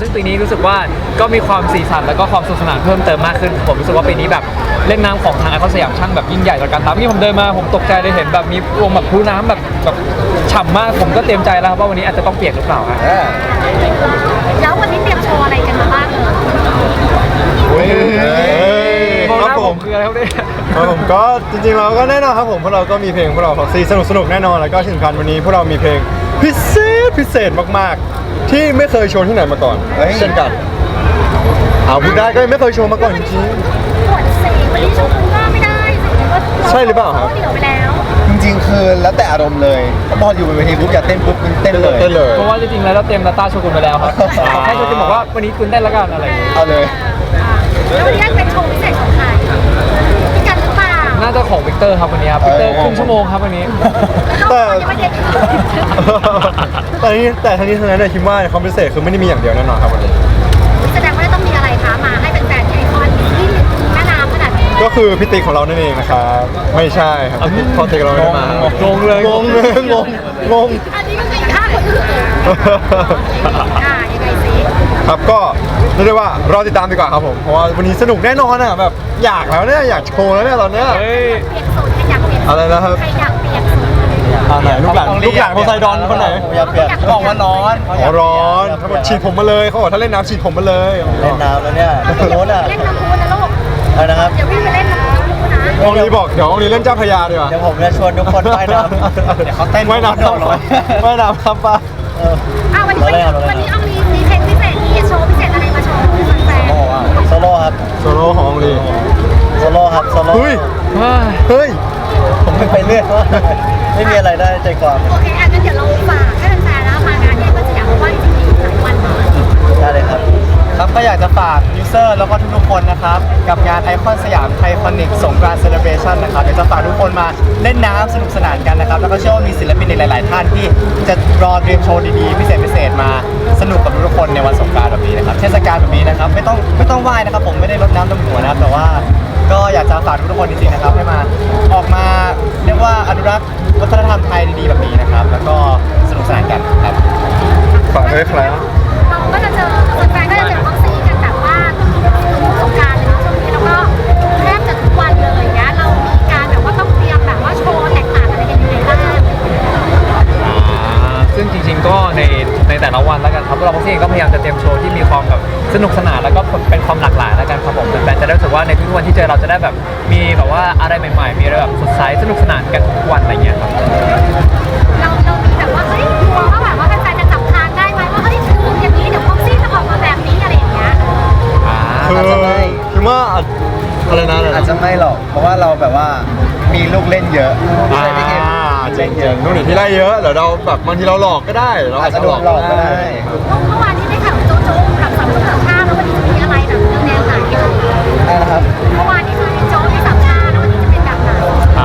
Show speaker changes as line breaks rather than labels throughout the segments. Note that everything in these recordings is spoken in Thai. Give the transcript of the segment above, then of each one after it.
ซึ่งปีนี้รู้สึกว่าก็มีความสีสันแล้วก็ความสนุกสนานเพิ่มเติมมากขึ้นผมรู้สึกว่าปีนี้แบบเล่นน้ำของทางไอคอนสยามช่างแบบยิ่งใหญ่ต่อการตามนี่ผมเดินมาผมตกใจเลยเห็นแบบมีวงแบบพลุน้ำแบบฉ่ำมากผมก็เตรียมใจแล้วครับว่าวันนี้อาจจะต้องเปียกหรือเปล่าครับ
แล้ววันนี้เตรียมโชว์อะไรกันมาบ้างเลย
มองห
ครั
น้า
บ
ผ
ผม ม
คืออะไรครับเนี่ย
ครับผมก็จริงๆเราก็แน่นอนครับผมพวกเราก็มีเพลงพวกเราของซีสนุกๆแน่นอนแล้วก็ที่สำคัญวันนี้พวกเรามีเพลงพิเศษมากๆ ที่ไม่เคยโชว์ที่ไหนมาก่อนเช่นกันเอาพูดได้ก็ไม่เคยโชว์มาก่อนจริง
ปวดเสียงวันนี้โชว์คุณก็ไม่ได้สิว่า
ใช่หรือเปล่าครับ
เดี๋ยวไปแล้ว
จริงๆคือแล้วแต่อารมณ์เลยถ้าบอลอยู่บนเวทีปุ๊บอยากเต้นปุ๊บเต้นเลย
เต้นเลย
เพราะว่าจริงๆแล้วเราเตรียมดาต้าโชว์คุณไปแล้วครับแค่โชว์คุณบอกว่าวันนี้คุณได้แล้วกันอะไรอย่างเงี้ย
เอาเลย
แล้ววันนี้เป็นโชว์พิเศษของใครพี่กันหรือเปล่า
น่าจะของวิกเตอร์ครับวันนี้ครับวิกเตอร์ครึ่งชั่วโมงครับวันนี้
แล้วก็จะมาเย็น
แต่ทั้งนี้ทั้งนั้นเนี่ยคิดว่าความพิเศษคือไม่ได้มีอย่างเดียวแน่นอนครับวันนี้
แสดงว่าต้องมีอะไรคะมาให้เป็นแฟนที่ไอคอนที่แม่น้ำขนาดนี้
ก็คือพี่ติ๊กของเรานั่นเองนะครับไม่ใช่ครับพี่ติ๊กพอติ๊กเราไม่ได้มาง
งเลย
งงง
อันนี้ก็คือฆ่าคนอื่นยังไงสิ
ครับก็เรียกได้ว่ารอติดตามดีกว่าครับผมเพราะว่าวันนี้สนุกแน่นอนอ่ะแบบอยากแล้วเนี่ยอยากโชว์แล้วเนี่ยตอนเนี้ย
เฮ้ย
เปลี่ยนสูตรใครอยากเปลี่ยน
อะไรนะครับ
ใครอยากเปลี่ยนสูตร
ไหนลูกหลานโพไซดอนคนไหน
อยากเปลี่ยนบอกว่าร้อน
อ๋อร้อนเขาบอกฉีดผมมาเลยเขาบอกถ้าเล่นน้ำฉีดผมมาเลย
เล่นน้ำแล้วเนี่ยโน้นอ่ะ
เล่นน้ำพุนะลูก
อะไรนะครับ
เดี๋ยวพี่ไปเล่นน้ำพุนะ
องลีบอกเดี๋ยวองลีเล่นเจ้าพระยาดีกว่า
เดี๋ยวผมจะชวนทุกคนว่ายน้ำเดี๋ยวเขาเต้น
ว่ายน้ำครับว่ายน้ำครับป้า
วันนี้เอามีเพลงพิเศษมีโชว์พิเศษอะไรมาโชว์แฟน
โซโล่ครับ
โซโล่ขององลี
โซโล่ครับโซโล่
เฮ้ยเฮ้ย
ผมไปเรื่อยไม่มีอะไรได้ใจความ
โอเคงั้นเดี๋ยวเราฝากให้แฟนๆนะมางานที่ก็สยามว่าจริงๆหลายวัน
ได้เลยครับ
ครับก็อยากจะฝากยูเซอร์แล้วก็ทุกๆคนนะครับกับงานไอคอนสยามไทคอนิกสงกรานต์เซเลบรชั่นนะครับอยากจะฝากทุกคนมาเล่นน้ำสนุกสนานกันนะครับแล้วก็เชื่อว่ามีศิลปินในหลาย ๆ ท่านที่จะรอเตรียมโชว์ดีๆพิเศษมาสนุกกับทุกๆคนในวันสงกรานต์แบบนี้นะครับเทศกาลแบบนี้นะครับไม่ต้องไหว้นะครับผมไม่ได้รดน้ำดำหัวนะครับแต่ว่าก็อยากจะฝากทุกๆคนจริงๆนะครับให้มาออกมาเรียกว่าอนุรักษ์วัฒนธรรมไทยดีๆแบบนี้นะครับแล้วก็สนุกสนานกันครับ
ฝากด้วยครับ
เราก็จะเจอแฟนๆก็จะเจอบ็อกซี่กันแบบว่าสงการเลยนะช่วงนี้แล้วก็แทบจะทุกวันเลยอย่างเงี้ยเรามีการแบบว่าต้องเตรียมแบบว่าโชว์แตกต่างอะไรกันยังไงบ้าง
ซึ่งจริงๆก็ในแต่ละวันแล้วกันครับพวกเราพวกเองก็พยายามจะเตรียมโชว์ที่มีความแบบสนุกสนานแล้วก็เป็นความหลากหลายแล้วกันครับผมแฟนๆจะได้รู้สึกว่าในทุกๆวันที่เจอเราจะได้แบบมีแบบว่าอะไรใหม่ๆมีอะไรแบบสดใสสนุกสนานกันทุกวันอะไรเงี้ยครับ
เรามีแบบว่าเฮ้ยกลัวว่าแบบว่าแฟนๆจะจับทางได้ไหมว่าเฮ้ยคืออย่างนี้เดี๋ยวบ็อกซี่จะออกมาแบบนี้อะไรอย่างเงี้ย
คือคิดว่าอะไรนะ
อาจจะไม่หรอกเพราะว่าเราแบบว่ามีลูกเล่นเยอะ
จริงๆนู่นนี่ที่ไล่เยอะเดี๋ยวเราแบบบางทีเราหลอกก็ได้เรา
อา
อา
จ
จ
จะ
จะ
โด
หลอน ก
หลอกก็ได้
เมื่อวานนี้ได้ข่าวโจ๊กกับสามคนสามชาติแล้ววันนี้จะมีอะไรแบบแนวไหน
นะครับ
เมื่อวานนี้คือโจ๊กที่สามชาติแล้ววันนี้จะเป็นแบบไหน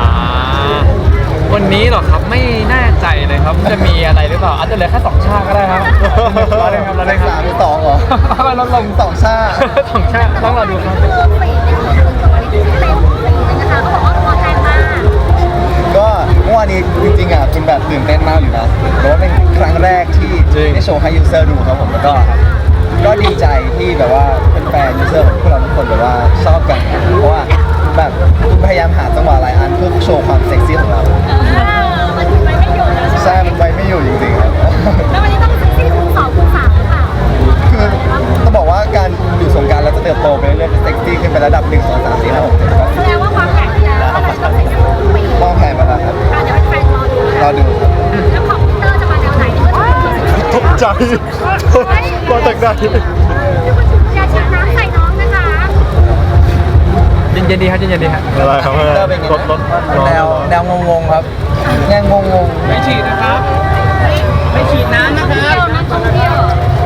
วันนี้เหรอครับไม่แน่ใจเลยครับจะมีอะไรหรือเปล่าอาจจะเหลือแค่2 ชาติก็ได้ครับรอเลยครับรอเลยค
สา
รับ
มหรือสองเหรอ
ไม่ลดลง
สองชาติ
2 ชาติต้องรอดูครับ
คือฝีเนี่ยคือตัวนี้ที่เต็มฝีเลยนะคะเขาบอกว่าร้อนแรงมาก
ก็เมื่อวานนี้จริงๆอ่ะคุณแบบตื่นเต้นมากอยู่นะเพราะว่าเป็นครั้งแรกที่ได้โชว์ให้ยูเซอร์ดูครับผมแล้วก็ดีใจที่แบบว่าเป็นแฟนยูเซอร์ของพวกเราทุกคนแบบว่าชอบกันเพราะว่าแบบคุณพยายามหาจังหวะหลายอันเพื่อโชว์ความเซ็กซี่ของเรา
มันไปไม่อยู่แล้ว
ใช่มันไปไม่อยู่จริงๆครับ
แล้ววันนี้ต้องเซ็กซี่คูณ2คูณ3หรือเปล่า
คือต้องบอกว่าการอยู่สงกรารเราจะเติบโตไปเรื่อยๆเซ็กซี่ขึ้นไประดับ1 2 3 4 5 6 7 8
แสดงว่าความแข็งแล้วว่าเราจะต้องเซ็กซี่ทุกปี
มองแผนมาแล้วครับ
เดี๋ยวเป็นแฟนรอดู
รอดูครับ
แล้วของพีเตอร์จะมาแนวไหนนี่ก็จะ
ตกใจมาจากไหน
อย่าฉีดน้ำใส่น้องนะคะ
เย็นๆดีครับเย็นๆดีครับ
อะไรครับ
แนวงงๆครับแนวงง
ไม่ฉีดนะครับ ไม่ฉีดน้ำนะครับ
เที่ยวนะท่องเที่ยว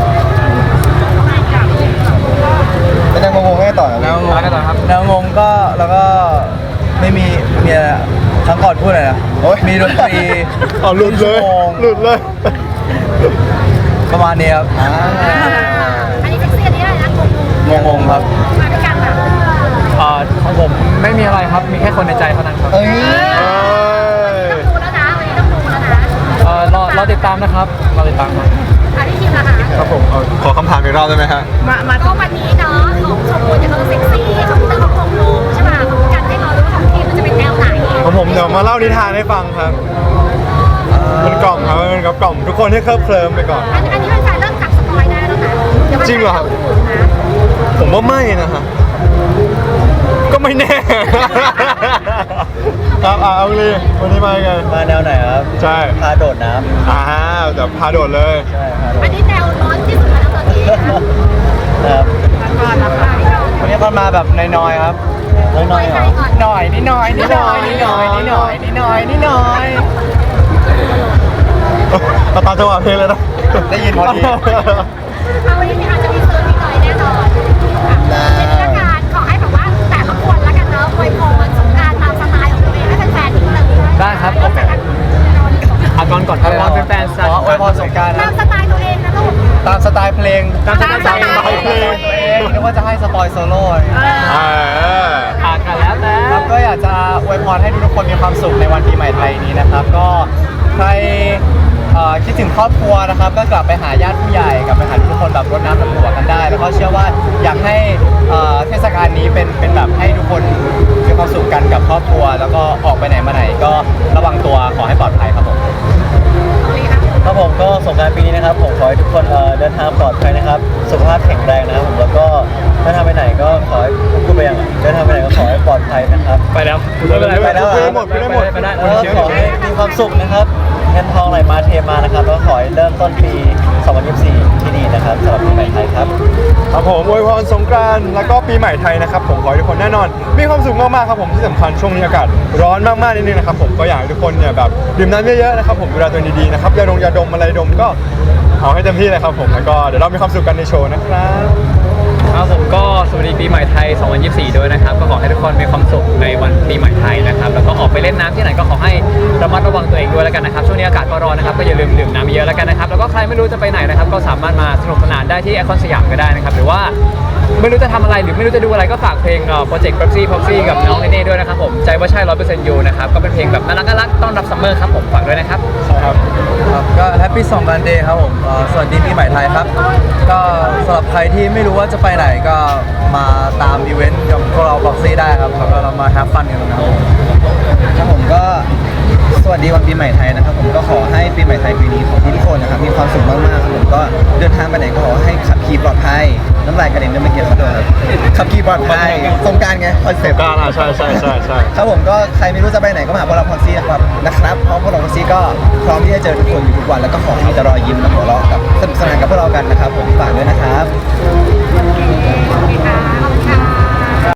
ๆเป็นแนวงงๆให้ต่อครับ
แนวงงแล้วกันต่อครับ
แนวงงก็แล้วก็ไม่มีครั้งก่อนพูดอะไรนะมีดนตรี
เอาหลุดเลยหลุดเลย
ประมาณนี้ครับ
อันนี้เซ็กซี่อันนี้อะไรนะงง
งงๆครับ
มาด้วยกันแบบ
ของผมไม่มีอะไรครับมีแค่คนในใจเท่านั้นครับ
เอ้ย
ต้องดูแล้วนะวันนี้ต้องดูแล้วนะ
รอรอติดตามนะครับรอติดตามครับ
อันนี้คิวนะคะ
ครับผมขอคำถามอีกรอบได้ไหมฮะ
ก็วันนี้เนาะของชมพูเนี่ยเขาเซ็กซี่ของพี่เตอร์เขาคงลงใช่ป่ะของกันให้เรารู้ว่าของทีมมันจะเป็นแนวไหน
ของผมเดี๋ยวมาเล่านิทานให้ฟังครับเป็นกล่อมครับเป็นกล่อมทุกคนให้เคลิบเคลิ้มไปก่อน
อันนี้เป็นแฟนเริ่มจับสปอยได้แล้วนะเดี๋ยวมัน
จริงเหรอครับ
ถูกนะ
ผมว่าไม่นะฮะก็ไม่แน่ ครับเอาเลยวันนี้มาไง
มาแนวไหนครับ
ใช่
พาโดดน้ำ
เดี๋ยวพาโดดเลย
ใช่ครับ
อันนี้แนวร้อนที่สุดแล้วตอนนี้นะ
ครับ
ก่อนนะคะ
วันนี้คนมาแบบน้อยๆครับ
น้อยๆเหรอ
ก่อน
หน่อยนิดหน่อยนิดหน่อยนิดหน่อยนิดหน่อยนิดหน่อยนิดหน่อย
เราตามจังหวะเพลงเลยนะ
ได้ยินพอดี
เอาวันนี้อาจจะมีเซอร์นิดหน่อยแน่นอนเป็นเรื่องการขอให้แบบว่าแต่ละคนละกันเนาะอวยพรสงกรานต์ตามสไตล์ของตัวเองให้แฟนๆนิดนึง
ได้ครับ
เริ่มจากการนอนก่อน
อาก่อนก่อนครับรอเป็นแฟน
ขออวยพรสงกรานต์
ตามสไตล์ตัวเองนะลูก
ตามสไตล์เพลง
ตามสไตล์เพลง
นึกว่าจะให้สปอยโซโล่
อ่านกันแล้วแต่
ครับก็อยากจะอวยพรให้ทุกคนมีความสุขในวันปีใหม่ไทยนี้นะครับ ก็ใครคิดถึงครอบครัวนะครับ ก็กลับไปหาญาติผู้ใหญ่กลับไปหาทุกคนแบบรดน้ำดำหัวกันได้ แล้วก็เชื่อว่าอยากให้เทศกาลนี้เป็นแบบให้ทุกคนมีความสุขกันกับครอบครัว แล้วก็ออกไปไหนมาไหนก็ระวังตัวขอให้ปลอดภัยครับผม
ครับผมก็สงกรานต์ปีนี้นะครับผมขอให้ทุกคนเดินทางปลอดภัยนะครับ สุขภาพแข็งแรงนะครับผมแล้วก็เดินทางไปไหนก็ขอให้พูดไปยังเดินทางไปไหนก็ขอให้ปลอดภัยนะครับ
ไปแล้ว
ไปแล้ว
ไป
หมดไปได้หมด
ไปได้
แล้วก็ขอให้มีความสุขนะครับเงินทองไหลมาเทมานะครับแล้วก็ขอให้เริ่มต้นปี 2024 ที่ดีนะครับสำหรับปีใหม่ไทยครับ
ครับผมอวยพรสงกรานต์แล้วก็ปีใหม่ไทยนะครับผมขอให้ทุกคนแน่นอน มีความสุขมากๆครับผมที่สำคัญช่วงนี้อากาศร้อนมากๆนิดนึงนะครับผมก็อยากให้ทุกคนเนี่ยแบบดื่มน้ำเยอะๆนะครับผมดูแลตัวเองดีๆนะครับยาดมอะไรดมก็เอาให้เต็มที่เลยครับผมแล้วก็เดี๋ยวเรามีความสุขกันในโชว์นะครับ
ครับผมก็สวัสดีปีใหม่ไทย 2024 ด้วยนะครับ ก็ขอให้ทุกคนมีความสุขในวันปีใหม่ไทยนะครับ แล้วก็ออกไปเล่นน้ำที่ไหนก็ขอให้ระมัดระวังตัวเองด้วยแล้วกันนะครับ ช่วงนี้อากาศก็ร้อนนะครับ ก็อย่าลืมดื่มน้ำเยอะแล้วกันนะครับ แล้วก็ใครไม่รู้จะไปไหนนะครับ ก็สามารถมาสนุกสนานได้ที่ไอคอนสยามก็ได้นะครับ หรือว่าไม่รู้จะทำอะไรหรือไม่รู้จะดูอะไรก็ฝากเพลงโปรเจกต์ Proxy กับน้องเนเน่ด้วยนะครับผม ใจว่าใช่ 100%ยูนะครับ ก็เป็นเพลงแบบน่ารักต้อนรับซัมเมอร์ครับผม ฝากด้วยนะครับ
ครับ
ครับก็แฮปปี้สงกรานต์เดย์ครับผมสวัสดีปีใหม่ไทยครับ ก็สำหรับใครที่ไม่รู้ว่าจะไปไหนก็มาตามอีเวนต์กับพวกเราบ็อกซี่ได้ครับแล้วก็เรามาแฮปฟันกันนะครับผม
ครับผมก็สวัสดีวันปีใหม่ไทยนะครับผมก็ขอให้ปีใหม่ไทยปีนี้ของทุกคนนะครับมีความสุขมากๆครับผมก็เดินทางไปไหนก็ขอให้ขับขี่ปลอดภัยน้ำลายกระเด็นด้วยไม่เกี่ยวกับตัวครับขับขี่ปลอดภัยสงกรารไงคอนเซ็ปต์
การใช่
ครับผมก็ใครไม่รู้จะไปไหนก็มาหาพวกเราพ็อกซี่นะครับเพราะพวกเราพ็อกซี่ก็พร้อมที่จะเจอทุกคนอยู่ทุกวันแล้วก็ขอให้มีแต่รอยยิ้มและหัวเราะกับสนุกสนานกับพวกเรากันนะครับผมฝ